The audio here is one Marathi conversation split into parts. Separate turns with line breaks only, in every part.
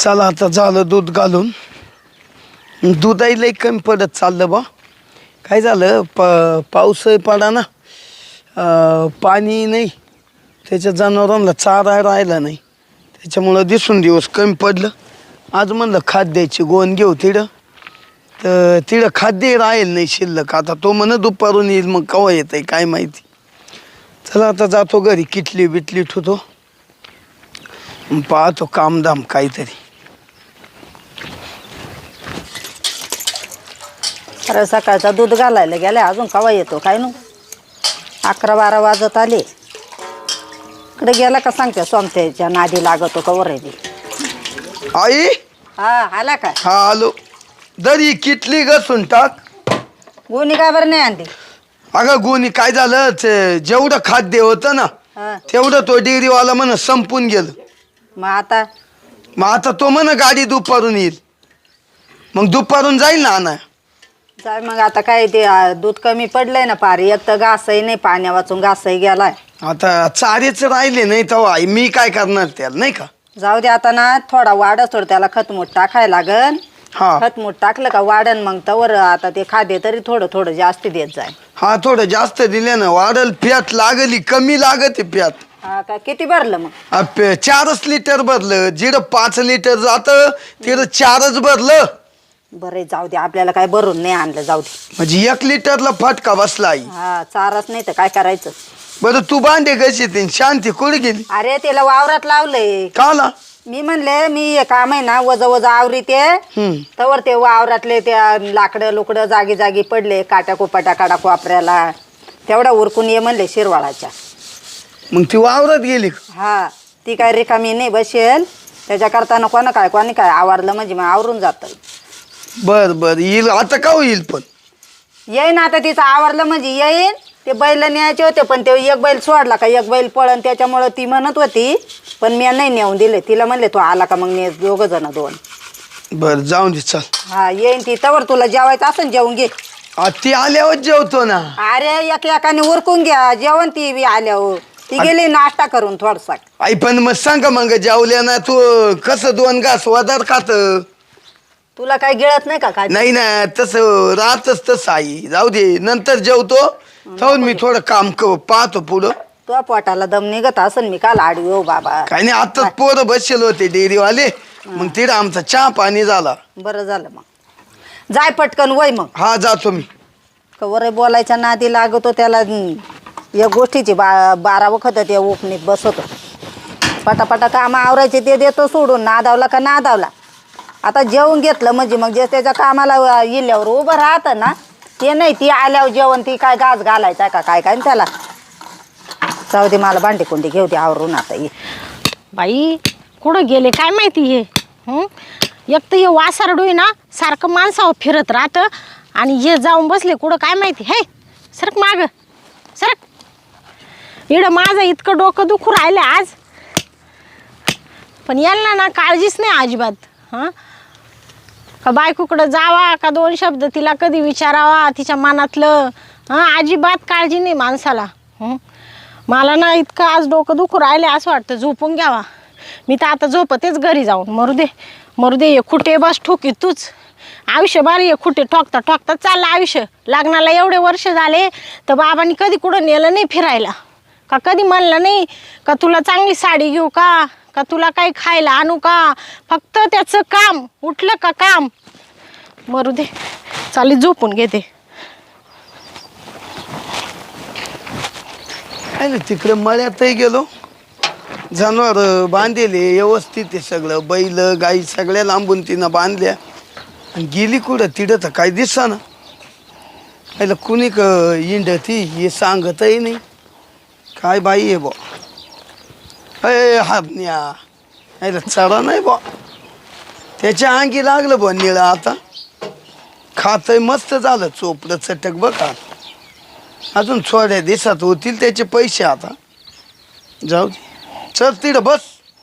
चला आता झालं दूध घालून. दूधही लई कमी पडत चाललं बा. काय झालं पाऊसही पडा ना, पाणी नाही, त्याच्या जनावरांना चारा राहिला नाही, त्याच्यामुळं दिसून दिवस कमी पडलं. आज म्हणलं खाद्याची गोण घेऊ तिडं, तर तिडं खाद्य राहील नाही शिल्लक. आता तो म्हणत दुपारून येईल, मग केव्हा येत आहे काय माहिती. चला आता जातो घरी, किटली बिटली ठेवतो, पाहतो कामधाम काहीतरी.
अरे सकाळचा दूध घालायला गेल्या, अजून केव्हा येतो काय नु. 11-12 वाजत आले. इकडे गेला का सांगते सोमत्याच्या नादी लागतो कवर आहे.
आई
हा आला काय?
हा आलो. दरी किटली घसून टाक.
गोणी काय बरं नाही आणली?
अगं गोणी काय झालं, जेवढं खाद्य होतं ना
हा
तेवढं तो डेअरीवाला म्हण संपून गेलं.
मग आता
तो म्हण गाडी दुपारून येईल, मग दुपारून जाईल ना आणा.
जाय मग. आता काय ते दूध कमी पडलंय ना पारी, एक तर घासही नाही, पाण्या वाचून घासही गेलाय.
आता चारेच राहिले नाही तर आई मी काय करणार त्याला, नाही का.
जाऊ दे आता ना, थोडा वाढच थोडं त्याला खतमूट टाकायला लागन.
हा
खतमूट टाकलं का वाढन, मग तवर आता ते खाद्य तरी थोडं थोडं जास्त देत जाय.
हा थोडं जास्त दिले ना वाढल. प्यात लागली, कमी लागत प्यात.
हा का? किती भरलं मग?
4 लिटर भरलं. जिडं 5 लिटर जात तिथं 4च भरलं.
बरं जाऊ दे, आपल्याला काय भरून नाही आणलं, जाऊ दे.
म्हणजे 1 लिटरला फटका बसला आई.
हा चारच नाही तर काय करायचं.
बरं तू भांडे कशी ते शांती कुठे गेली?
अरे त्याला वावरात लावलंय.
काला
मी म्हणले मी हे काम आहे ना वजा वजा आवरी ते तवर ते वावरातले त्या लाकडं लुकडं जागी जागी पडले, काट्या कोपाट्या काढा कोपऱ्याला, तेवढा उरकून ये म्हणले शिरवाळाच्या.
मग ती वावरात गेली.
हा ती काय रिकामी नाही बसेल, त्याच्या करताना कोणी काय आवरलं म्हणजे मग आवरून जात.
बर बर येईल आता. का येईल पण
येईन आता, तिचं आवरलं म्हणजे येईन. ते बैल न्यायचे होते पण ते एक बैल सोडला का एक बैल पळन, त्याच्यामुळं ती म्हणत होती, पण मी नाही नेऊन दिले. तिला म्हणले तू आला का मग ने 2 जण 2.
बर जाऊन दे चल.
हा येईन ती, तवर तुला जेवायचं असं जेवून घे.
ती आल्यावर जेवतो ना.
अरे एकाने उरकून घ्या जेवण, ती बी आल्यावर. ती गेली नाश्ता करून थोडसा.
आई पण मग सांगा मग जेवल्या ना तू कसं 2 घास वदार खात.
तुला काय गिळत नाही का काय?
नाही ना तसं राहतच तसं आई. जाऊ दे नंतर जेवतो. जाऊन मी थोडं काम पाहतो पुढं.
तुझ्या पोटाला दम निघत असन, मी काल आडवी हो बाबा.
काही नाही, आताच पोरं बसले होते डेअरीवाले, मग तिथं आमचा चहा पाणी झाला.
बरं झालं मग. जाय पटकन वय मग.
हा जातो मी.
कवर बोलायच्या नादी लागतो त्याला. या गोष्टीची 12 वखत ते उपनीत बसवतो. पटापटा काम आवरायचे ते देतो सोडून, नादावला का नादावला. आता जेवून घेतलं म्हणजे मग जे त्याच्या कामाला इल्यावर उभं राहतं ना, ते नाही. ती आल्यावर जेवण ती काय गाज घालायचा का काय काय त्याला. जाऊ दे, मला भांडी कुंडी घेऊ दे आवरून. आता ये
बाई कुठं गेले काय माहिती हे. एक तर हे वासारडू आहे ना, सारखं माणसावर फिरत राहतं, आणि हे जाऊन बसले कुठं काय माहिती. हे सरक माग सरक. इकडं माझं इतकं डोकं दुखू राहिलं आज, पण यांना ना काळजीच नाही अजिबात. का बायकोकडं जावा का 2 शब्द तिला कधी विचारावा तिच्या मनातलं. अजिबात काळजी नाही माणसाला. मला ना इतकं आज डोकं दुखू राहिले, असं वाटतं झोपून घ्यावा. मी तर आता झोपतेच घरी जाऊन. मरू दे हे खुटे बस ठोकी तूच. आयुष्यभर हे खुटे ठोकता ठोकता चाललं आयुष्य. लग्नाला एवढे वर्ष झाले तर बाबांनी कधी कुठं नेलं नाही फिरायला. का कधी म्हणलं नाही का तुला चांगली साडी घेऊ का तुला काही खायला आणू का. फक्त त्याचं काम, उठलं का काम. मरू दे, चालेल झोपून घेते.
तिकडे मळ्यातही गेलो, जनावर बांधले व्यवस्थित आहे सगळं. बैल गाई सगळ्या लांबून तिनं बांधल्या. आणि गेली कुठं तिथं तर काही दिसना. पहिलं कुणी इंड ती हे सांगतही नाही. काय बाई आहे बा. हापण्या चढा नाही बा. त्याच्या अंगी लागलं बा निळं. आता खातंय मस्त झालं, चोपडं चटक बघा. अजून थोड्या दिवसात होतील त्याचे पैसे. आता जाऊ दे, चल तिथं बस.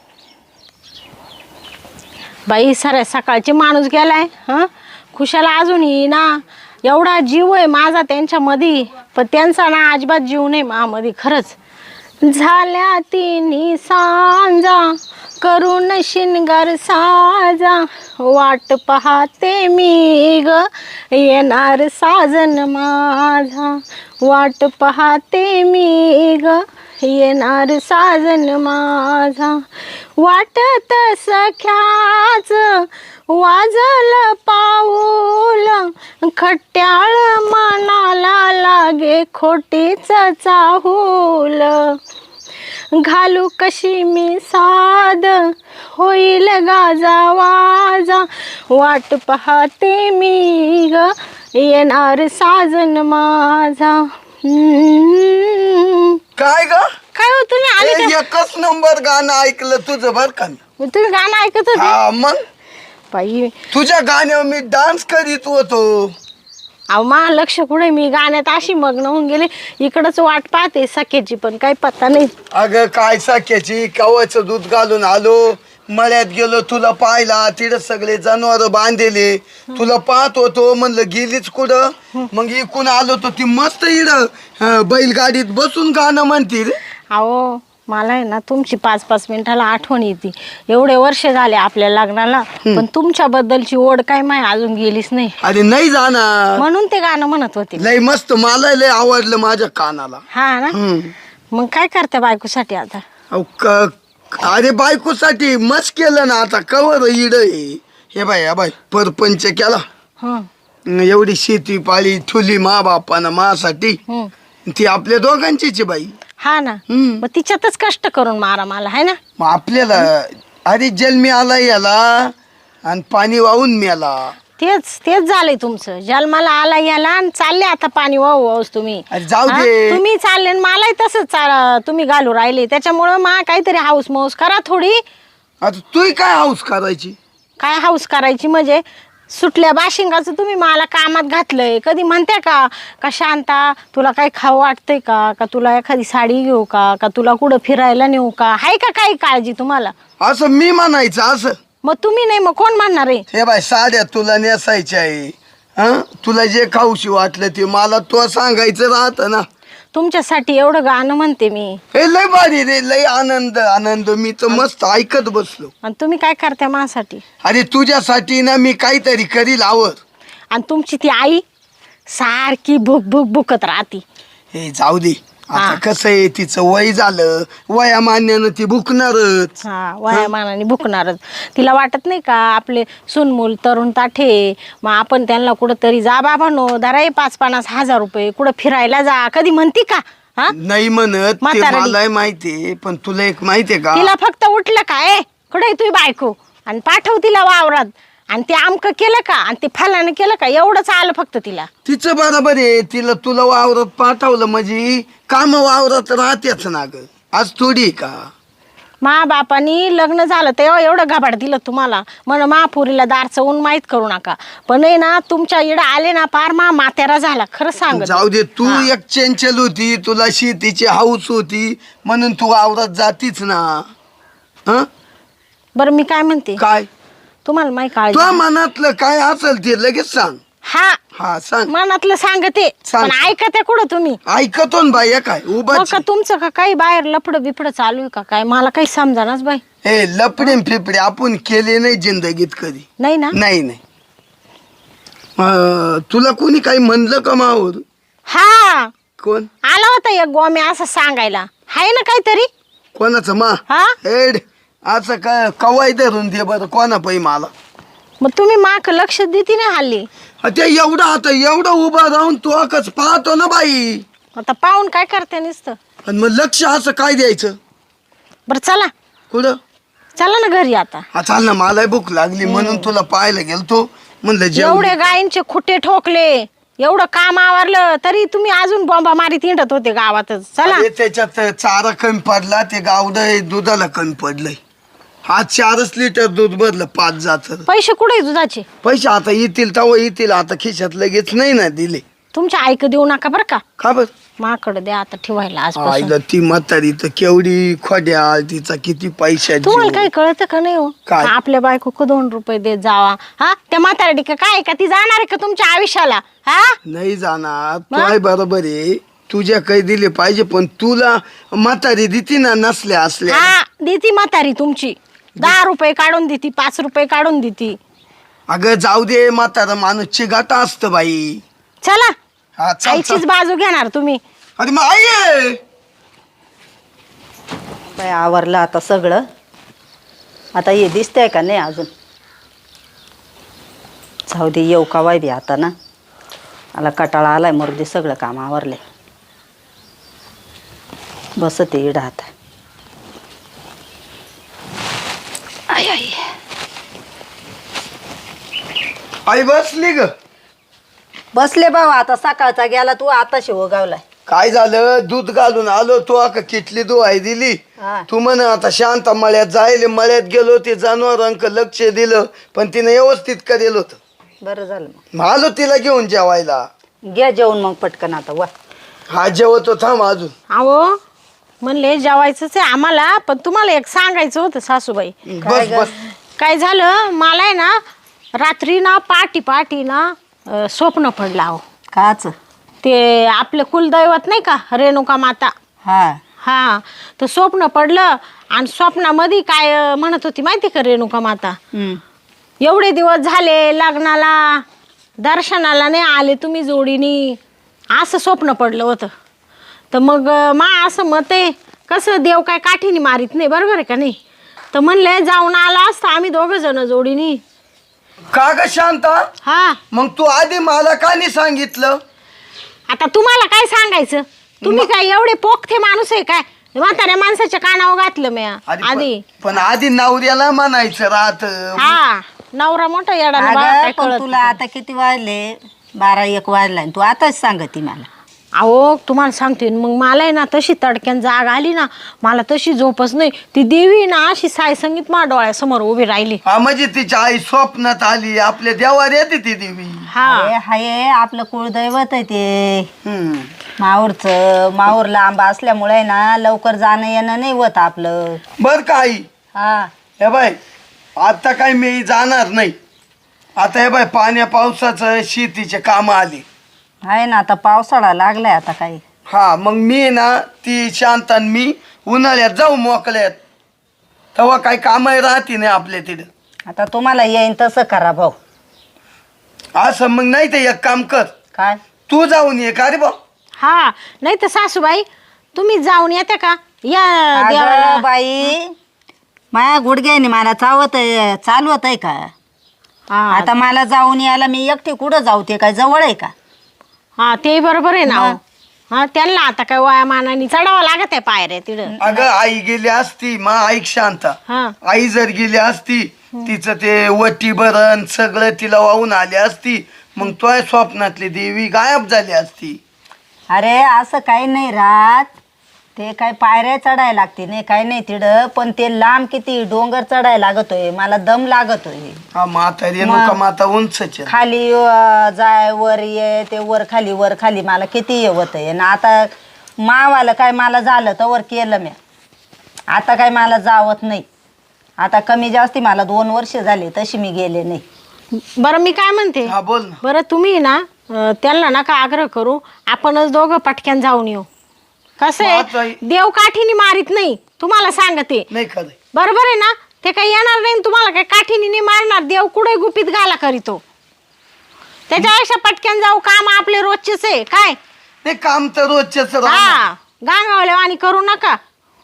बाई साऱ्या सकाळचे माणूस गेलाय. खुशाला अजून येईना. एवढा जीव आहे माझा त्यांच्यामध्ये, पण त्यांचा ना अजिबात जीव नाही माझ्यामध्ये. खरंच झाल्या 3 सांजा करून शिनगार साजा वाट पाहते मी ग येणार साजन माझा वाट पाहते मी ग येणार साजन माझा वाटत सख्याच वाजल पाऊल खट्याळ मनाला लागे खोटीच चाहूल घालू कशी मी साद होईल गाजा वाजा वाट पाहते मी ग येणार साजन माझा
काय ग
काय हो तुम्ही आले का?
एकच नंबर गाणं ऐकलं तुझं बर का मी.
तुम्ही गाणं ऐकत होते
हा मग
बाई
तुझ्या गाण्यावर मी डान्स करीत होतो.
अहो मा लक्ष कुठे मी गाण्यात अशी मग्न होऊन गेले इकडंच वाट पाहते सख्याची पण काही पत्ता नाही
अगं काय साख्याची कवाचं दूध घालून आलो मळ्यात गेलो तुला पाहिला तिथं सगळे जनावर बांधलेले तुला पाहत होतो म्हणलं गेलीच कुठं मग इकून आलो तो ती मस्त इड बैलगाडीत बसून गाणं म्हणतील.
अहो मला आहे ना तुमची 5-5 मिनिटाला आठवण येते एवढे वर्ष झाले आपल्या लग्नाला पण तुमच्याबद्दलची ओढ काय माय अजून गेलीच नाही
अरे नाही जाणार
म्हणून ते गाणं म्हणत होते
लय मस्त मला लय आवडलं माझ्या कानाला.
हा ना मग काय करते बायकोसाठी आता
अहो, अरे बायकोसाठी मस्त केलं ना आता कवर इड हे बाय परपंच केला
हं,
एवढी शेती पाळी ठुली मा बापानं मासाठी
हं.
ती आपल्या दोघांचीच आहे बाई.
हा ना मग तिच्यातच कष्ट करून मारा मला है ना
मग आपल्याला अरे जन्मी आला याला आणि पाणी वाहून मेला.
तेच झालंय तुमचं जन्माला आला याला आणि चालले आता पाणी वाहूच तुम्ही
अरे जाऊ
हा?
दे.
तुम्ही चालले आणि मलाही तसंच तुम्ही घालू राहिले त्याच्यामुळं मा काहीतरी हाऊस मौस करा थोडी
आता तू काय हाऊस करायची
काय हाऊस करायची म्हणजे सुटल्या बाशिंगाचं तुम्ही मला कामात घातलंय कधी म्हणते का शांता तुला काही खाऊ वाटतंय का तुला एखादी साडी घेऊ का तुला कुठं फिरायला नेऊ का आहे का काही काळजी तुम्हाला
असं मी म्हणायचं असं.
मग तुम्ही नाही मग कोण म्हणणार आहे
हे बाय साड्या तुला नेसायच्या आहे तुला जे खाऊशी वाटलं ते मला तो सांगायचं राहतं ना.
तुमच्यासाठी एवढं गाणं म्हणते मी
हे लय भारी रे लय आनंद मी तर मस्त ऐकत बसलो.
आणि तुम्ही काय करता माझ्यासाठी
अरे तुझ्यासाठी ना मी काहीतरी करील आवड. आणि
तुमची ती आई सारखी भुकत राहती
हे जाऊ दे आता
हा.
कसं आहे तिचं वय झालं वयामान्यानं ती भुकणारच.
हा वयामानाने भुकणारच तिला वाटत नाही का आपले सुनमूल तरुण ताठे मग आपण त्यांना कुठंतरी जा बाबांनो धरा 5-50 हजार रुपये कुठं फिरायला जा कधी म्हणती का हा
नाही म्हणत ते
म्हातारडी.
मलाही माहितीये पण तुला एक माहितीये का
तिला फक्त उठलं काय कुठे तुझी बायको आणि पाठव तिला वावरात आणि ते आमकं केलं का आणि ते फलानं केलं का एवढंच आलं फक्त तिला
तिचं बरोबर आहे तिला तुला वावरात पाठवलं म्हणजे काम वावरात राहतेच ना ग आज थोडी का
मा बापानी लग्न झालं तेव्हा एवढं घाबाड दिलं तुम्हाला म्हण महापुरीला दारचं ऊन माहीत करू नका पण आहे ना तुमच्या इडं आले ना पार मातेरा झाला खरं सांग
जाऊ दे तू एक चंचल होती तुला शेतीची हाऊस होती म्हणून तू वावरात जातीच ना. हं?
बरं मी काय म्हणते
काय
तुम्हाला माहिती काळजी
तुझ्या मनातलं काय असेल ते लगेच सांग.
हा
सांग
मनातलं सांगते
सांग.
पण ऐकते कुठं तुम्ही
ऐकतो ना बाई काय उभा
हो का तुमचं का काही बाहेर लफडं बिफडं चालू आहे का काय मला काही समजानाच बाई
हे लपडे फिपडे आपण केले नाही जिंदगीत कधी
नाही ना
नाही तुला कोणी काही म्हणलं का मावर
हा
कोण
आला होता एक गोम्या असं सांगायला हाय ना काहीतरी
कोणाचं मा
हा
हेड असं काय कवाय धरून दे बरं कोणा पै मला
मग तुम्ही माक लक्ष देते ना हल्ली
ते एवढं आता एवढं उभा राहून तू अकच पाहतो ना बाई
आता पाहून काय करते नुसतं
आणि मग लक्ष असं काय द्यायचं
बरं चला
कुठं
चला ना घरी आता
हा चाल ना मला भूक लागली म्हणून तुला पाहायला गेलतो म्हणलं जेवण
एवढे गायींचे खुटे ठोकले एवढं काम आवरलं तरी तुम्ही अजून बॉम्बा मारीत हिंडत होते गावातच चला
अरे त्याच्यात चारा कमी पडला ते गावडं दुधाला कमी पडलंय हा 4 लिटर दूध भरलं 5 जात
पैसे कुठे दुधाचे
पैसे आता येतील तेव्हा येतील आता खिशात लगेच नाही ना दिले
तुमच्या ऐक देऊ नका बरं का
का बर
माकडे द्या आता ठेवायला आज
आईला ती म्हातारी तर केवढी खोड्या तिचा किती पैसा
तुम्हाला काही कळतं का नाही हो
काय?
आपल्या बायको को 2 रुपये देत जावा हा त्या म्हातारडी का काय का ती जाणार आहे का तुमच्या आयुष्याला हा
नाही जाणार तू आहे बरोबर आहे तुझ्या काही दिले पाहिजे पण तुला म्हातारी देती ना नसल्या असल्या
हा देती म्हातारी तुमची 10 रुपये काढून देती, 5 रुपये काढून देती.
अगं जाऊ दे, म्हातारा माणूस चिगाटा असतं बाई.
चला,
हा चल
आईचीच
चल.
बाजू घेणार तुम्ही.
अरे मग आई आहे.
बाई आवरलं आता सगळं. आता हे दिसतंय का नाही अजून? जाऊ दे, येऊ का वाय बी आता ना. मला कटाळा आलाय, मरुदे सगळं काम आवरले. बसते इडं आता. आई आई
आई बसली ग.
बसले भाऊ, आता सकाळचा गेला तू आता शिवगावलाय.
काय झालं, दूध घालून आलो तो का किटली दुहाई दिली.
हा.
तू म्हण आता शांत मळ्यात जायले, मळ्यात गेलो ते जनावरांक लक्ष दिलं पण तिने व्यवस्थित करेल होत.
बरं झालं
मग आलो तिला घेऊन जेवायला.
मग घ्या जेवण मग पटकन आता वा.
हा जेवतो थांब अजून.
अहो म्हणले जेवायचंच आहे आम्हाला, पण तुम्हाला एक सांगायचं होतं सासूबाई.
बस बस.
काय झालं, मला आहे ना रात्री ना पाटी ना स्वप्न पडलं. अहो
काच.
ते आपलं कुलदैवत नाही का, रेणुका माता.
हा
हा, तर स्वप्न पडलं आणि स्वप्नामध्ये काय म्हणत होती माहिती का रेणुका माता, एवढे दिवस झाले लग्नाला दर्शनाला नाही आले तुम्ही जोडीनी, असं स्वप्न पडलं होतं. तर मग असं मत आहे, कसं देव काय काठीने मारित नाही, बरोबर आहे का नाही. तर म्हणले जाऊन आला असतं आम्ही 2 जण जोडीनी.
का ग शांता,
हा,
मग तू आधी मला का नाही सांगितलं?
आता तुम्हाला काय सांगायचं, तुम्ही काय एवढे पोखते माणूस आहे काय, म्हाताऱ्या माणसाच्या कानावर घातलं मी आधी.
पण आधी नवऱ्याला म्हणायचं राहत.
हा, नवरा मोठा येडा
अगं,
काय
पण
कळत
तुला आता किती वाजले? 12-1 वाजला आणि तू आताच सांगती मला.
अहो तुम्हाला सांगते मग मला आहे ना तशी तडक्यान जाग आली ना, मला तशी झोपच नाही. ती देवी ना अशी साई संगीत मा डोळ्यासमोर उभी राहिली.
हा म्हणजे तिची आई स्वप्नात आली, आपल्या देवावर येते ती देवी.
हा,
अरे हाय, आपलं कुळदैवत आहे ते.
हम्म.
माऊर लांब असल्यामुळे ना लवकर जाणं येणं नाही होत आपलं.
बर का आई,
हा
हे बाय आता काय मी जाणार नाही. आता हे बाय पाण्या पावसाचं शेतीचे काम आले.
आहे ना, आता पावसाळा लागलाय आता काही.
हा मग मी ना ती शांत आणि मी उन्हाळ्यात जाऊ मोकळ्यात, तेव्हा काही काम राहते नाही आपल्या तिथं.
आता तुम्हाला येईन तसं करा भाऊ.
असं मग नाही तर एक काम कर,
काय?
तू जाऊन ये का रे भाऊ.
हा, नाही तर सासूबाई तुम्ही जाऊन येते का या देवाला.
अगं बाई, माया गुडघ्याने मला चालवत आहे का?
हा,
आता मला जाऊन यायला मी एकटी कुठं जाऊ? ते काय जवळ आहे का?
हा ते बरोबर आहे ना.
मग?
हो. हा, त्यांना आता काय वयामानाने चढावं लागत आहे पायऱ्या तिथं.
अगं आई गेली असती, मग ऐक शांता,
हा,
आई जर गेली असती तिचं ते वटी भरण सगळं तिला वाहून आली असती, मग तो स्वप्नातली देवी गायब झाली असती.
अरे असं काही नाही राहत, ते काय पायऱ्या चढायला लागते नाही, काही नाही तिथं, पण ते लांब किती डोंगर चढायला लागतोय, मला दम लागतोय.
हा माता रेणुका माता उंचच आहे.
खाली जाय वर ये, ते वर खाली मला किती होत आहे ना. आता मावाला काय मला झालं तर वर केलं मी, आता काय मला जावत नाही. आता कमी जास्ती मला 2 वर्ष झाले, तशी मी गेले नाही.
बरं मी काय म्हणते,
हा बोल ना.
बरं तुम्ही ना त्यांना नका आग्रह करू, आपणच दोघं पटक्यान जाऊन येऊ. कसं
आता-
आहे, देव काठीने मारित नाही, तुम्हाला सांगते.
नाही खरं.
बरोबर आहे ना, ते काही येणार नाही तुम्हाला काही काठीने नाही मारणार. देव कुठे गुपित घाला करीतो, त्याच्यापेक्षा पटक्यान जाऊ, काम आपले रोजचेच आहे काय.
नाही काम तर रोजच्याच राहणार.
हा, गांगावल्या आणि करू नका.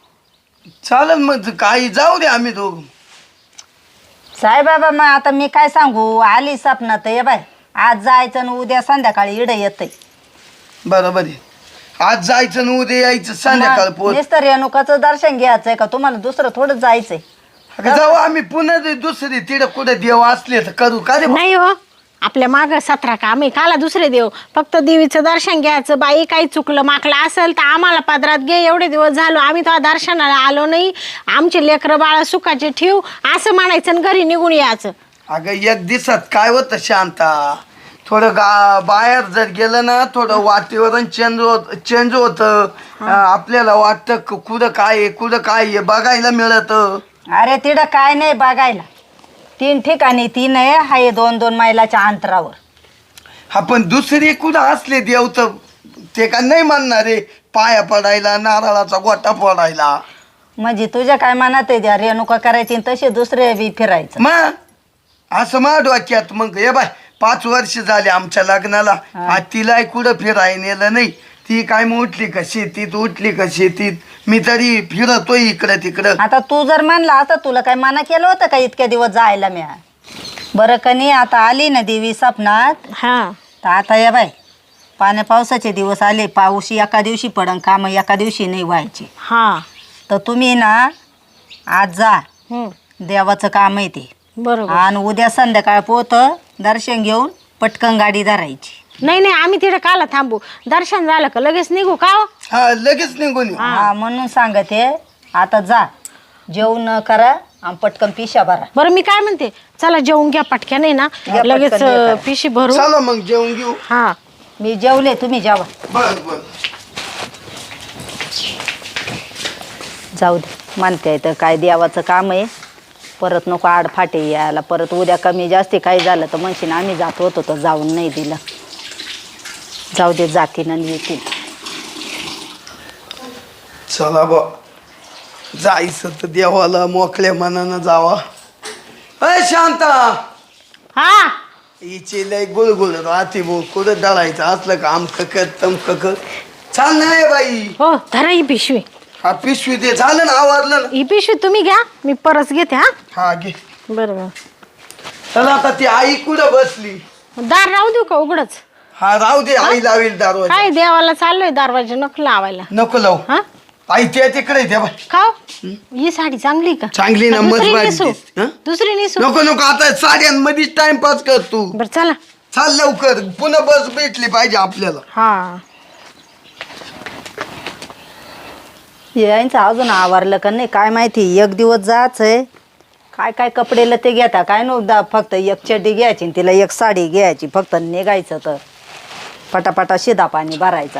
चालेल मग काही जाऊ दे आम्ही दोघं.
साईबाबा, मग आता मी काय सांगू, आली सपनात ये बाय, आज जायचं आणि उद्या संध्याकाळी इडं येतंय.
बरोबर आहे, आज जायचं न उद्या यायचं संध्याकाळ पोहोच.
नुसतं रेणुकाचं दर्शन घ्यायचंय का तुम्हाला? दुसरं थोडं जायचंय.
जाऊ आम्ही पुन्हा दुसरी तिकडे कुठे देव असले तर करू का रे भाऊ?
नाही हो, आपल्या माग 17 काम आहे, काला दुसरे देव. फक्त देवीचं दर्शन घ्यायचं. बाई काही चुकलं माकलं असेल तर आम्हाला पदरात घे, एवढे दिवस झालो आम्ही तो दर्शनाला आलो नाही, आमचे लेकरं बाळ सुखाचे ठेव असं म्हणायचं आणि घरी निघून यायचं.
अगं एक दिवसात काय होतं शांता, थोडं बाहेर जर गेलं ना थोडं वातावरण चेंज होतं. आपल्याला वाटतं कुठं काय आहे कुठं काय आहे बघायला मिळतं.
अरे तिथं काय नाही बघायला, 3 ठिकाणी 3 आहे, हाय 2-2 मैलाच्या अंतरावर.
हा पण दुसरी कुठं असले देव तर ते का नाही म्हणणार रे पाया पडायला, नारळाचा गोटा फोडायला.
म्हणजे तुझ्या काय मनात आहे त्या रेणुका करायची आणि तसे दुसरे बी फिरायचं.
मग असं मा डोक्यात मग हे बाय 5 वर्ष झाले आमच्या लग्नाला आज तिला कुठं फिराय नेलं नाही. ती काय मग उठली का शेतीत उठली का शेतीत मी तरी फिरतोय इकडं तिकडं.
आता तू जर म्हणला असता तुला काय मना केलं होतं का इतक्या दिवस जायला मी? बरं का नाही आता आली ना देवी स्वप्नात
हा
तर आता या बाय पाण्या पावसाचे दिवस आले. पाऊस एका दिवशी पडन काम एका दिवशी नाही व्हायचे.
हा
तर तुम्ही ना आज जा
हम्म,
देवाचं काम आहे ते.
बरोबर.
आणि उद्या संध्याकाळ पोत दर्शन घेऊन पटकन गाडी धरायची.
नाही नाही आम्ही तिथे काला थांबू. दर्शन झालं का लगेच निघू का हो?
हा लगेच निघून येऊ.
हा म्हणून सांगते आता जा जेवण करा आणि पटकन पिशा भरा.
बरं मी काय म्हणते चला जेवून घ्या पटक्या नाही ना
घ्या
लगेच
पटकन घ्या.
पिशी भरू.
चला मग जेवून घेऊ.
हा
मी जेवले तुम्ही जेवा.
बर बर
जाऊ दे मानते आहे तर काय देवाचं काम आहे. परत नको आडफाटे यायला. परत उद्या कमी जास्ती काही झालं तर म्हणशील आम्ही जात होतो तर जाऊन नाही दिलं. जाऊ दे जातीन आणि येतील.
चला बा जायचं तर देवाला मोकळ्या मनानं जावा. अय शांता
हा
हिची लय गुळगुळ राहते भाऊ कुठं दळायचं असलं का आमकं कर तमकं कर. चाल नाही बाई.
हो धरा ही पिशवी.
हा पिशवी ते झालं ना आवरलं ना.
ही पिशवी तुम्ही घ्या मी परस घेते. हा
हा घे.
बरोबर.
चला आता ती आई कुठं बसली.
दार राहू देऊ का उघडच?
हा राहू दे आई लावेल दरवाजा.
काय देवाला चाललोय दरवाजा नको लावायला.
नको लावू.
हा
आई त्या तिकडे द्या बाई.
खाओ ही साडी चांगली का?
चांगली ना
दुसरी
मजबूत
नेसू?
दिसते, हं?
दुसरी नेसू?
नको नको आता साड्यांमध्येच टाइमपास कर तू.
बरं चला.
चाल लवकर पुन्हा बस भेटली पाहिजे आपल्याला.
हा
यांचं अजून आवरलं का नाही काय माहिती. एक दिवस जायचं आहे. काय काय कपडे ते घेता काय नव्हता. फक्त एक चड्डी घ्यायची आणि तिला एक साडी घ्यायची फक्त निघायचं तर पटापटा शिदा पाणी भरायचा.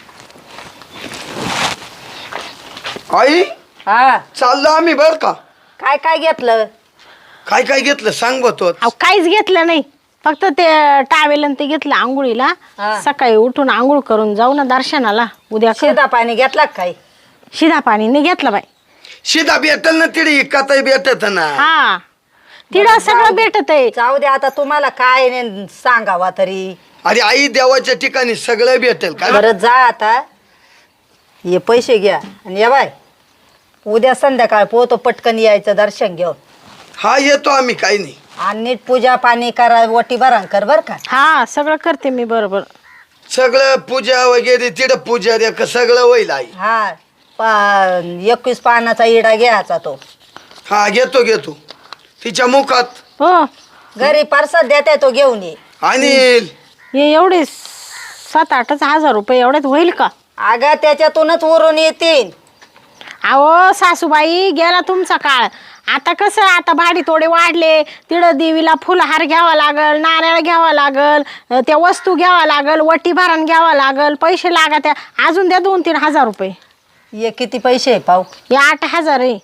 आई
हा
चाललो आम्ही बर का.
काय काय घेतलं?
काय काय घेतलं सांग बा तो.
अहो काहीच घेतलं नाही. फक्त ते टावेल आणि ते घेतलं आंघोळीला.
हा.
सकाळी उठून आंघोळ करून जाऊ ना दर्शनाला उद्या.
शिदा पाणी घेतला का काय?
शिधा पाणी नाही घेतलं बाई.
शिदा भेटल ना तिथे कथाही भेटत ना.
हा तिला सगळं भेटत आहे.
जाऊ दे आता तुम्हाला काय सांगावा तरी.
अरे आई देवाच्या ठिकाणी सगळं भेटेल का.
बरं जा आता हे पैसे घ्या आणि या बाय उद्या संध्याकाळ पोहतो पटकन यायचं दर्शन घेऊन.
हा येतो आम्ही काही नाही.
आणि नीट पूजा पाणी करा वटी भरण कर बर का.
हा सगळं करते मी बरोबर.
सगळं पूजा वगैरे तिथं पूजा रे का सगळं होईल आई.
हा 21 पानाचा इडा घ्यायचा तो.
हा घेतो घेतो तिच्या मुखात.
हो
घरी परसाद देते तो घेऊन ये.
आणि
हे एवढे 7-8 हजार रुपये एवढ्यात होईल का?
अगं त्याच्यातूनच उरून येतील.
अहो सासूबाई गेला तुमचा काळ. आता कसं आता भाडी थोडे वाढले. तिकडं देवीला फुलहार घ्यावा लागल, नारळ घ्यावा लागल, त्या वस्तू घ्यावा लागल, वटी भरण घ्यावा लागल, पैसे लागत. अजून द्या 2-3 हजार रुपये.
ये किती पैसे आहे पाहू?
हे 8,000 आहे.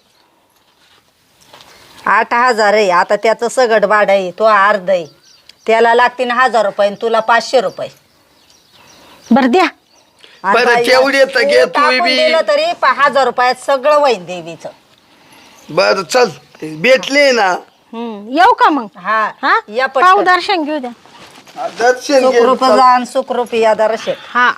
8,000 आहे. आता त्याचं सगळं भाडं आहे तो अर्ध आहे. त्याला लागतील 1,000 रुपये आणि तुला 500 रुपये.
बरं द्या.
आणि
बरं,
बाई,
तेवढे तर घे,
तू
तू
टाकून
बी.
दिलं तरी 1,000 रुपयात सगळं होईल देवीचं.
बर चल भेटले ना.
येऊ का मग?
हा
हा
या
पाहू
पटकन.
दर्शन घेऊ द्या.
दर्शन घे.
सुखरूप जा आणि सुखरूप या दर्शन.
हा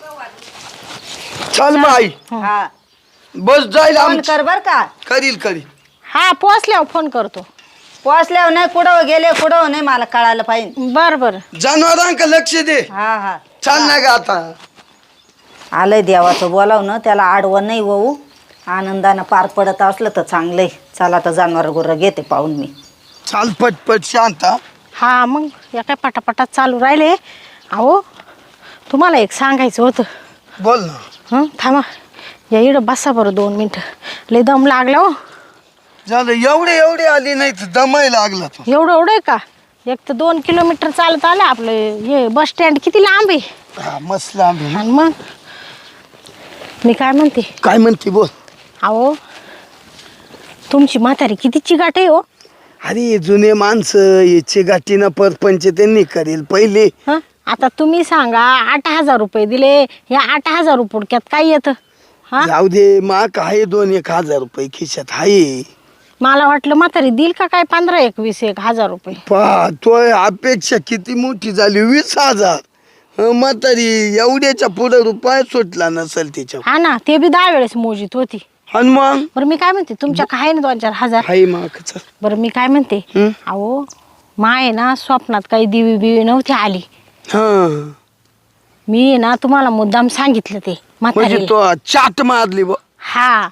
चल मग आई
हा
बस जाईल
फोन
आमची.
कर बर का.
करील
हा पोचल्यावर फोन करतो.
पोचल्यावर नाही कुठं गेले कुठं नाही मला कळायला पाहिजे.
बर बर
जनावरांका लक्ष दे.
हा हा
चाल ना ग आता.
आलंय देवाचं बोलावणं त्याला आडवं नाही होऊ. आनंदानं पार पडत असलं तर चांगलंय. चला तर जनावर गुरं घेते पाहून मी.
चाल पटपट शांता.
हा मग या काय पटापटात चालू राहिले. अहो तुम्हाला एक सांगायचं होतं.
बोल ना.
थांबा या इकडं बसा बरं 2 मिनटं. लय दम लागला हो.
झालं एवढे आली नाही तर दमाय लागला तो.
एवढं आहे का? एक तर 2 किलोमीटर चालत आलं आपलं. हे बस स्टँड किती लांब आहे.
हा मस्त लांब आहे.
आणि मग मी काय म्हणते.
काय म्हणते बोल.
अहो तुमची म्हातारी किती चिगाट आहे हो.
अरे जुने माणसं याची गाठीनं परपंच त्यांनी करेल पहिले.
हं आता तुम्ही सांगा 8,000 रुपये दिले. या 8,000 रुपयात काय येतं? हा
जाऊ दे माक आहे 2-1 हजार रुपये खिशात आहे.
मला वाटलं म्हातारी देईल का काय 15-20-1 हजार रुपये.
पहा तो अपेक्षा किती मोठी झाली 20,000. म्हातारी एवढ्याच्या पुढे रुपया सुटला नसेल तिच्या.
हा ना ते बी 10 वेळेस मोजीत होती.
आणि मग
बरं मी काय म्हणते तुमच्या काय ना 2-4 हजार.
हाय माक चल.
बरं मी काय म्हणते
हं?
अहो माय ना स्वप्नात काही दिवी बिवी नव्हती आली.
हा
मी ना तुम्हाला मुद्दाम सांगितलं ते
म्हणजे
म्हातारीला.
तो चाट मारली बा.
हा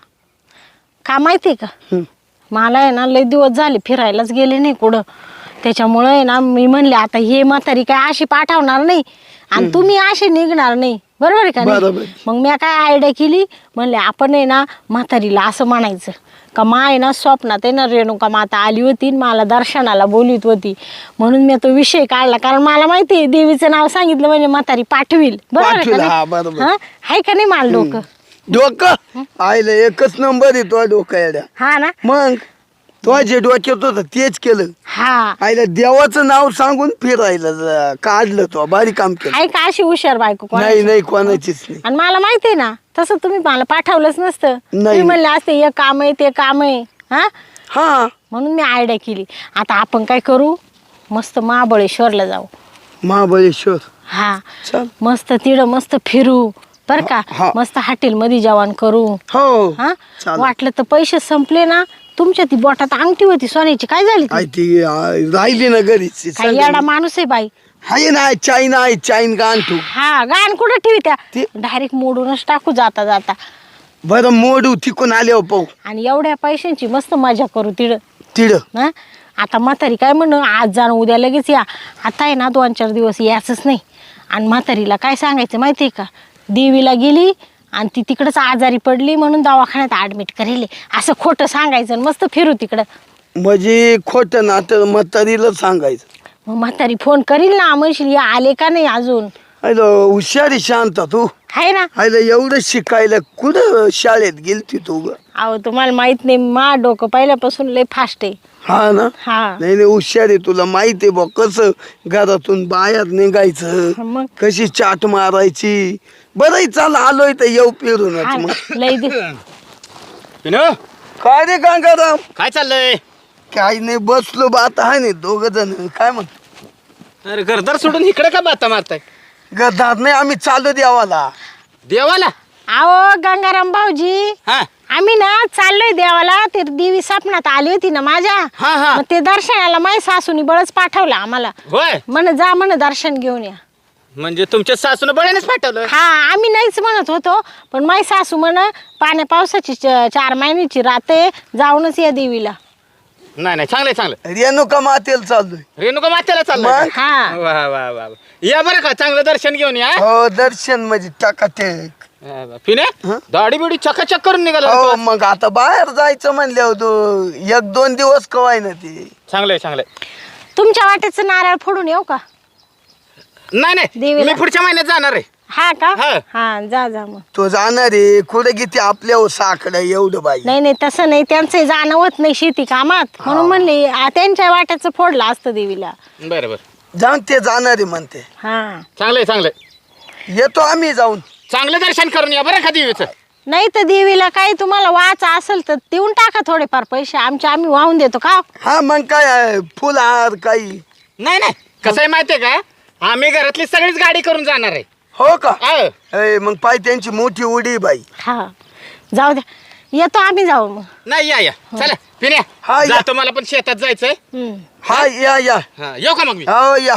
का माहितीये का
हं.
मला आहे ना लय दिवस झाले फिरायलाच गेले नाही कुठं. त्याच्यामुळे आहे ना मी म्हणले आता हे म्हातारी काय अशी पाठवणार नाही आणि तुम्ही असे निघणार नाही. बरोबर आहे का
बरोबर.
नाही. मग मी काय आयडिया केली म्हणले आपण आहे ना म्हातारीला असं म्हणायचं का माय ना स्वप्नात आहे ना रेणुका माता आली होती आणि मला दर्शनाला बोलवीत होती म्हणून मी तो विषय काढला. कारण मला माहिती आहे देवीचं नाव सांगितलं म्हणजे म्हातारी पाठवील. बरोबर आहे
पाठवील,
का
हा,
नाही.
बरोबर.
हा आहे का नाही मला डोकं.
डोकं आयला एकच नंबर आहे तो डोका येड्या.
हा ना.
मग तो जे डोक्यात होतं तेच केलं.
हा
आईला देवाचं नाव सांगून फिरायला काढलं तो भारी काम केलं.
आहे का अशी हुशार बायको कोणाची?
नाही नाही कोणाचीच नाही.
आणि मला माहिती आहे ना तसं तुम्ही मला पाठवलंच नसतं.
नाही.
तुम्ही म्हणले असते हे काम आहे ते काम आहे. हा
हा
म्हणून मी आयडिया केली. आता आपण काय करू मस्त महाबळेश्वरला जाऊ.
महाबळेश्वर
हा
चल.
मस्त तिकडं मस्त फिरू बर का.
हा.
मस्त हॉटेलमध्ये जेवण करू.
हो
हा
चालेल.
वाटलं तर पैसे संपले ना तुमच्या ती बोटात अंगठी होती सोन्याची काय झाली ती?
आई ती राहिली ना घरीच.
काय येडा माणूस आहे बाई.
हाय ना चाईन आहे चाईन गाण तू.
हा गाण कुठं ठेवी त्या
ती-
डायरेक्ट मोडूनच टाकू जाता जाता.
बरं मोडू तिकून आले हो पाहू
आणि एवढ्या पैशांची मस्त मजा करू तिकडं.
तिड.
हा आता म्हातारी काय म्हणू आज जाणं उद्या लगेच या. आता आहे ना 2-4 दिवस यायचंच नाही. आणि म्हातारीला काय सांगायचं माहिती आहे का देवीला गेली आणि ती तिकडंच आजारी पडली म्हणून दवाखान्यात ॲडमिट करेल असं खोटं सांगायचं आणि मस्त फिरू तिकडं.
म्हणजे खोटं ना तर म्हातारीला सांगायचं.
मग म्हातारी फोन करील ना म्हणशील या आले का नाही अजून.
आयला हुशारी शांत तू.
आहे ना.
आयला एवढं शिकायला कुठं शाळेत गेलती तू ग.
अहो तुम्हाला माहित नाही मा डोकं पहिल्यापासून लय फास्ट आहे.
हा ना.
हा
नाही नाही हुशार आहे तुला माहिती आहे बा कसं घरातून बाहेर निघायचं
मग
कशी चाट मारायची. बरं चाल आलोय तर येऊ
हा
फिरूनच मग.
लय दे.
पिनो
काय रे गंगाराम.
काय चाललंय?
काही नाही बसलो बा आता आहे नाही 2 जण काय म्हणतो.
अरे घरदार सोडून इकडे का बाता मारताय?
गदार नाही आम्ही चालू देवाला.
देवाला?
अहो गंगाराम भाऊजी
हा
आम्ही ना चाललोय देवाला. ते देवी स्वप्नात आली होती ना माझ्या.
हा हा
मग ते दर्शनाला माझ्या सासूनी बळच पाठवलं आम्हाला.
होय
म्हण जा म्हण दर्शन घेऊन या.
म्हणजे तुमच्या सासून बळ्यानेच पाठवलं?
हा आम्ही नाहीच म्हणत होतो पण माझी सासू म्हण पाण्या पावसाची 4 महिन्याची रात आहे जाऊनच या देवीला.
नाही नाही चांगलंय चांगलं.
रेणुका मातेला चाललोय.
रेणुका मातेला चाललंय
मग?
का?
हा
वा वा वा वा. या बरं का चांगलं दर्शन घेऊन या.
हो दर्शन म्हणजे टाकाटेक.
पिने
हं?
दाढी बिडी चकाचक करून निघाला
हो
होता.
मग आता बाहेर जायचं म्हणल्यावर तू 1-2 दिवस कवाय ना ते.
चांगलंय चांगलंय.
तुमच्या वाटेचं नारळ फोडून येऊ का?
नाही नाही
देवीला?
मी पुढच्या महिन्यात जाणार आहे.
हा का.
हा.
हा जा जा मग.
तो जाणार आहे कुठे किती आपल्या साकडं एवढं बाई.
नाही नाही तसं नाही त्यांचं जाणं होत नाही शेती कामात म्हणून म्हणले त्यांच्या वाट्याचं फोडलं असतं देवीला.
बरं बरं
जाऊन ते जाणार आहे म्हणते.
हा
चांगलंय चांगलंय.
येतो आम्ही जाऊन.
चांगलं दर्शन करून या बरं का देवीचं.
नाही तर देवीला काही तुम्हाला वाचा असेल तर देऊन टाका थोडेफार पैसे आम्ही वाहून देतो का.
हा मग काय आहे, फुलहार काही.
नाही नाही कसं आहे माहितीये का आम्ही घरातली सगळीच गाडी करून जाणार आहे.
हो का.
हो.
ए, मग पाय त्यांची मोठी उडी बाई.
हा जाऊ द्या येतो आम्ही जाऊ मग.
नाही या या चला पिण्या
हा, या.
जातो मला पण शेतात जायचंय.
हम्म.
हा या या.
हा येऊ का मग मी?
हो या.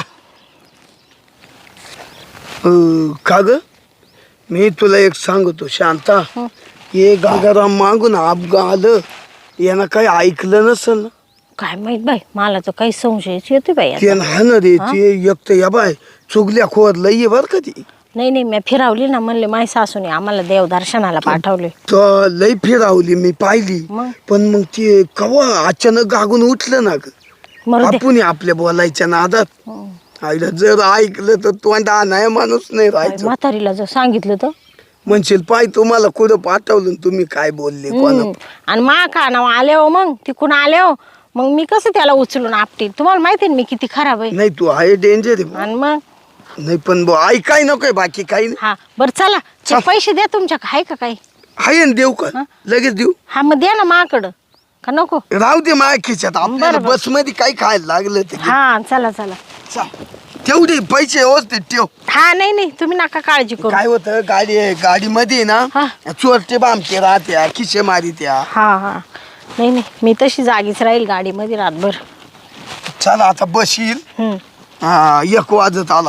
का ग मी तुला एक सांगतो शांता.
हं.
हे गागाराम मागून अपघा आलं यानं काही ऐकलं नसल ना.
काय माहित बाई मला तर काही संशयच येते बाई आता.
ते ना ना रे ते एक तर या बाय चुगल्या खोर लई बर का ती.
नाही नाही मी फिरावली ना म्हणले माझ्या सासूने आम्हाला देव दर्शनाला पाठवले.
तर लई फिरावली मी पाहिली
मग?
पण मग ते कवा अचानक गागून उठलं ना ग.
मरू दे.
आपण आपल्या बोलायच्या नादात
हं.
आईला जर ऐकलं तर तोंडा नाही माणूस नाही राहायचं.
म्हातारीला जर सांगितलं तर
म्हणशील पाय तुम्हाला कुठं पाठवलं आणि तुम्ही काय बोलले कोणा.
आणि मा का नाव आले हो मग तिकून आले हो मग मी कसं त्याला उचलून आपटील. तुम्हाला माहिती आहे ना मी किती खराब आहे.
नाही तू आहे डेंजर आहे.
आणि मग
नाही पण ऐकाय नकोय बाकी काही नाही.
हा बरं चला ते पैसे द्या तुमच्या आहे का काही.
आहे ना देऊ का लगेच देऊ
हा मग द्या ना माकडं का नको
राहू दे माझ्या खिशात आपल्याला
बरं.
बस मध्ये काय खायला लागलं ते घे.
हा चला चला
चाल. तेवढे पैसे व्यवस्थित ठेव
हा नाही नाही तुम्ही नका काळजी करू
काय होतं गाडीमध्ये ना
हा.
चोरटे बामटे राहत्या खिशे मारित्या
हा हा नाही नाही मी तशी जागीच राहील गाडीमध्ये रातभर
चला आता बस येईल
हम्म.
हा 1 वाजत आला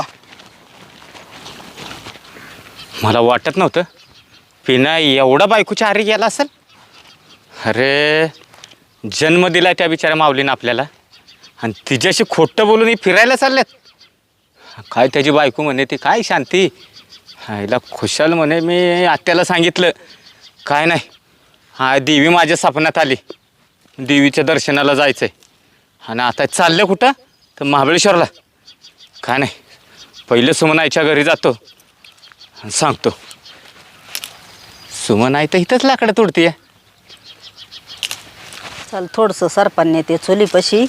मला वाटत नव्हतं पिना एवढा बायकोच्या आरी गेला असेल. अरे जन्म दिला त्या बिचाऱ्या माऊलीनं आपल्याला आणि तिच्याशी खोटं बोलून ही फिरायला चालल्यात. काय त्याची बायको म्हणे ती काय शांती हिला खुशाल म्हणे. मी आत्याला सांगितलं काय नाही हा देवी माझ्या स्वप्नात आली देवीच्या दर्शनाला जायचं आहे आणि आता चाललं कुठं तर महाबळेश्वरला. काय नाही पहिले सुमनाईच्या घरी जातो आणि सांगतो. सुमनाई तर इथंच लाकडं तोडतीये.
चल थोडंसं सरपण नेते चुलीपाशी.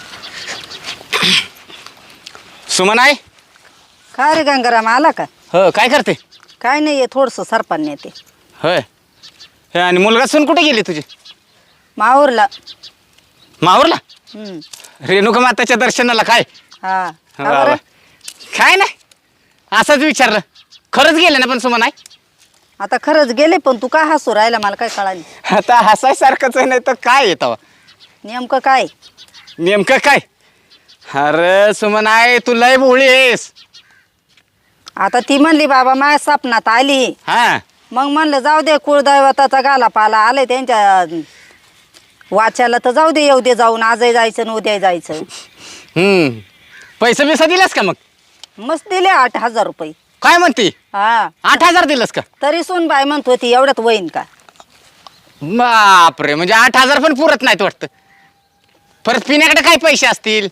सुमनाई
काय रे गंगाराम आला का?
हो काय करते.
काय नाही थोडंसं सरपण नेते.
होय हे आणि मुलगा सून कुठे गेली तुझी.
माहूरला.
माहूरला
हम्म.
रेणुका माताच्या दर्शनाला. काय
हा का
वा वा.
बरं?
काय नाही असंच विचारलं. खरंच गेले ना पण सुमनाई.
आता खरंच गेले पण तू का हसू राहिला मला काय कळाली.
आता हसायसारखंच आहे नाही तर काय येतं
नेमकं काय?
नेमकं काय. अरे सुमनाई तू लय भोळी आहेस.
आता ती म्हणली बाबा माझ्या स्वप्नात आली.
हा
मग म्हणलं जाऊ दे कुळदैवताचा गाला पाला आले त्यांच्या वाच्याला तर जाऊ दे येऊ दे जाऊन आजही जायचं आणि उद्या जायचं.
पैसे बिसा दिलास का मग.
मस्त दिले 8,000 रुपये.
काय म्हणते
हा
8,000 दिलंस का.
तरी सूनबाई म्हणत होती एवढ्यात होईन का.
बापरे म्हणजे 8,000 पण पुरत नाहीत वाटतं. परत पिण्याकडे काय पैसे असतील.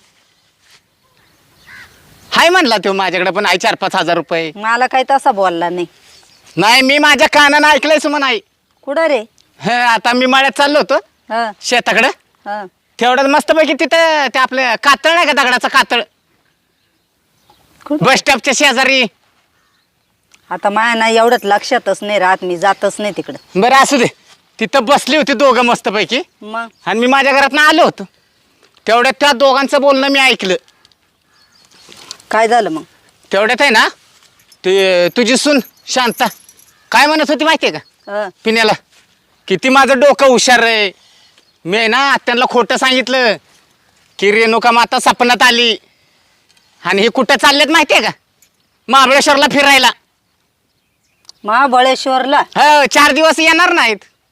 हाय म्हणला तो माझ्याकडे पण आहे 4-5 हजार रुपये.
मला काही तसा बोलला नाही.
नाही मी माझ्या कानानं ऐकलंय सुमनाई.
कुठं रे?
आता मी मळ्यात चाललो होतो
हा
शेताकडं.
हा
तेवढ्यात मस्तपैकी तिथं ते आपलं कातळ नाही का दगडाचं कातळ
कुठं?
बस स्टॉपच्या शेजारी.
आता माया ना एवढ्यात लक्षातच नाही राहत मी जातच नाही तिकडं.
बरं असू दे तिथं बसली होती दोघं मस्तपैकी
मग
आणि मी माझ्या घरातनं आलो होतो. तेवढ्यात त्या दोघांचं बोलणं मी ऐकलं.
काय झालं मग?
तेवढ्यात आहे ना ते तुझी सून शांता काय म्हणत होती माहितीये का
हा.
पिण्याला किती माझं डोकं हुशार आहे. मी आहे ना त्यांना खोटं सांगितलं की रेणुका माता स्वप्नात आली आणि हे कुठं चाललेत माहितीये का महाबळेश्वरला फिरायला.
महाबळेश्वरला.
हो 4 दिवस येणार नाहीत.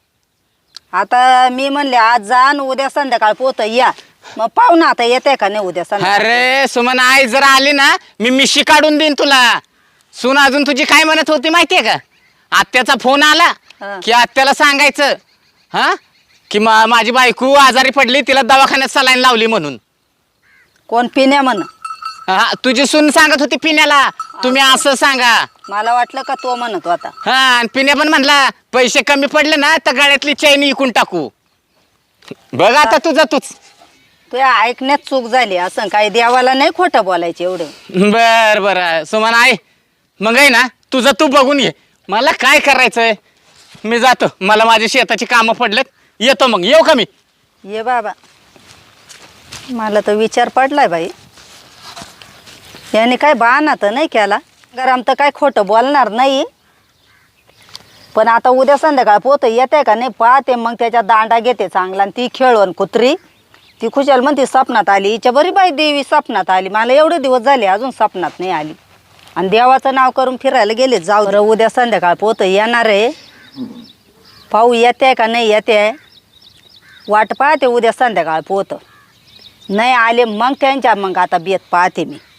आता मी म्हणले आज जा आणि उद्या संध्याकाळ पोत या. मग पाहू ना आता येते का नाही उद्या संध्याकाळ.
अरे सुमन आई जर आली ना मी मिशी काढून देईन तुला. सून अजून तुझी काय म्हणत होती माहितीये का आत्याचा फोन आला
हा.
की आत्याला सांगायचं हा की माझी बायको आजारी पडली तिला दवाखान्यात सलाईन लावली म्हणून.
कोण पिण्या म्हण?
हा तुझी सून सांगत होती पिण्याला तुम्ही असं सांगा.
मला वाटलं का तो म्हणत होता.
हा आणि पिण्या पण म्हणला पैसे कमी पडले ना तर गळ्यातली चैन इकून टाकू. बघ आता तुझं तूच.
तुझ्या ऐकण्यात चूक झाली असं काही देवाला नाही खोटं बोलायचं एवढं.
बर बर सुमन आई मग आहे ना तुझं तू बघून ये. मला काय करायचंय मी जातो. मला माझी शेताची कामं पडलेत. येतो मग. येऊ का मी.
ये बाबा. मला तर विचार पडलाय बाई याने काय बहाणा तर नाही केला. गरम तर काय खोटं बोलणार नाही. पण आता उद्या संध्याकाळ पोत येते का नाही पाहते मग त्याच्या दांडा घेते चांगला. आणि ती खेळवण कुत्री ती खुशाल म्हणते स्वप्नात आली. हिच्या बरी बाई देवी स्वप्नात आली. मला एवढे दिवस झाले अजून स्वप्नात नाही आली. आणि देवाचं नाव करून फिरायला गेले. जाऊ बरं उद्या संध्याकाळ पोत येणार आहे. पाहू येते का नाही येते. वाट पाहते उद्या संध्याकाळ पोत. नाही आले मग त्यांच्या मग आता बेत पाहते मी.